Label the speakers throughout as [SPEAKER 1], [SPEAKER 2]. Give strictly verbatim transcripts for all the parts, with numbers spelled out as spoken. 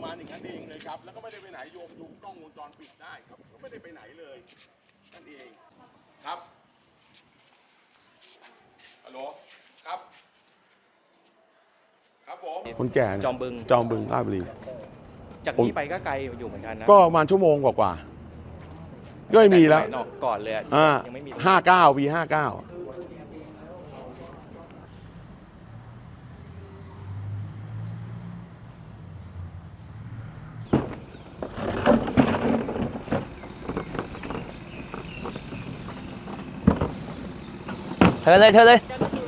[SPEAKER 1] มาณอย่างนั้นเองเลยครับแล้วก็ไม่ได้ไปไหนโยมดูกล้องวงจรปิดได้ครับก็ไม่ได้ไปไหนเลยนั่นเองครับฮัลโหลครับครับผมคนแก่จอมบึงจอมบึงราชบุรี
[SPEAKER 2] จากนี้ไปก็ไกลอยู่เหมือนกันนะ
[SPEAKER 1] ก็ประมาณชั่วโมงกว่าๆก็ไม่มีแล้ว
[SPEAKER 2] ก่อนเลย
[SPEAKER 1] ยังไม่มีห้าเก้าวีห้าเก้า
[SPEAKER 3] เธอเลยเธอเลย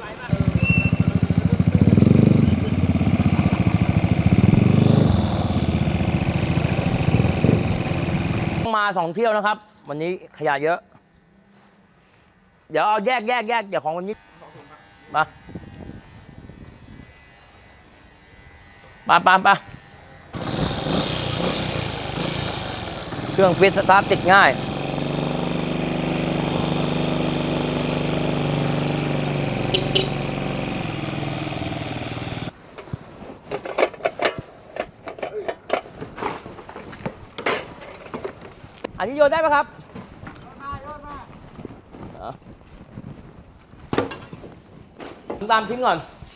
[SPEAKER 3] มาสองเที่ยวนะครับวันนี้ขยะเยอะเดี๋ยวเอาแยกแยกแยกเดี๋ยวของวันนี้มาปาปาปาเครื่องฟิตสตาร์ทติดง่ายอันนี้โยนได้ไหมครับโยนมาโยนมาตามชิ้นก่อน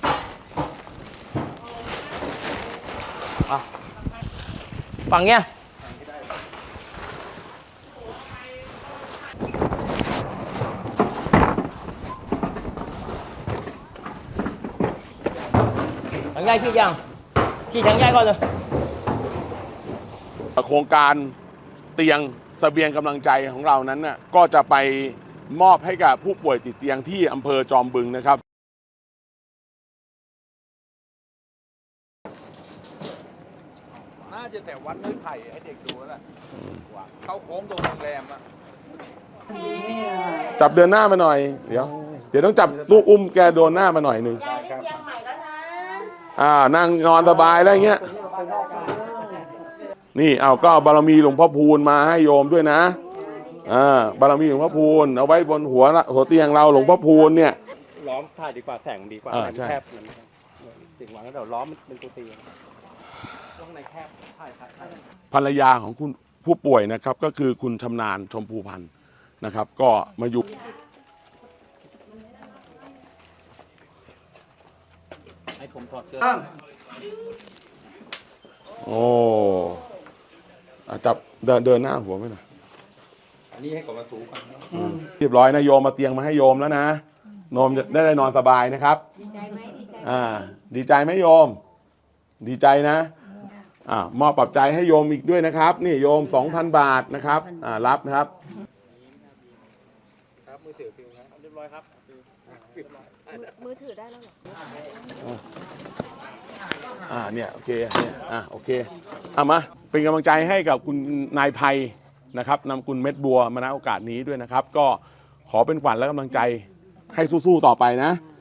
[SPEAKER 3] ฝั่งเนี้ยถังใหญ่ขี้ยังขี้ถังใหญ่ก่อนเลย
[SPEAKER 1] โครงการเตียงเสบียงกำลังใจของเรานั้นน่ะก็จะไปมอบให้กับผู้ป่วยติดเตียงที่อำเภอจอมบึงนะครับ
[SPEAKER 4] น่าจะแต่วัดไม้ไผ่ให้เด็กดูแล้วแหละเข้าโค้งตรงโรงแรมอะ
[SPEAKER 1] จับเดินหน้ามาหน่อยเดี๋ยวเดี๋ยวต้องจับลูกอุ้มแกโดนหน้ามาหน่อยหนึ่งอ่านั่งนอนสบายแล้วเงี้ยนี่เอาก็บารมีหลวงพ่อพูนมาให้โยมด้วยนะอ่าบารมีหลวงพ่อพูนเอาไว้บนหัวหัวเตียงเราหลวงพ่อพูนเนี่ย
[SPEAKER 2] ล้อมถ่ายดีกว่าแสงดีกว่าแคบถึงหวังแล้วเดี๋ยวล้อมเป็นตัวตีตรงไหนแคบถ่ายถ่ายถ่าย
[SPEAKER 1] ภรรยาของคุณผู้ป่วยนะครับก็คือคุณชำนาญชมพูพันธ์นะครับก็มาอยู่
[SPEAKER 2] ให้ผมถอดเสื้อ
[SPEAKER 1] โอ้จับเดินเดินหน้าหัวไม่หน่อย
[SPEAKER 4] อันนี้ให้กดมาถูกัน
[SPEAKER 1] เรียบร้อยนะโยมมาเตียงมาให้โยมแล้วนะโยมจะได้ได้นอนสบายนะครับ
[SPEAKER 5] ดีใจไหมดีใจ
[SPEAKER 1] อ่าดีใจไหมโยมดีใจนะอ่ามอบปรับใจให้โยมอีกด้วยนะครับนี่โยม สองพัน บาทนะครับอ่ารับนะครับ
[SPEAKER 2] ครับมือถือฟิวครับเรียบร้อยครับ
[SPEAKER 5] มือถือได้แล้วเหรอ
[SPEAKER 1] อ่าเนี่ยโอเคเนี่ยอ่าโอเคเอามาเป็นกำลังใจให้กับคุณนายไพนะครับนำคุณเม็ดบัวมาณโอกาสนี้ด้วยนะครับก็ขอเป็นขวัญและกำลังใจให้สู้ๆต่อไปนะ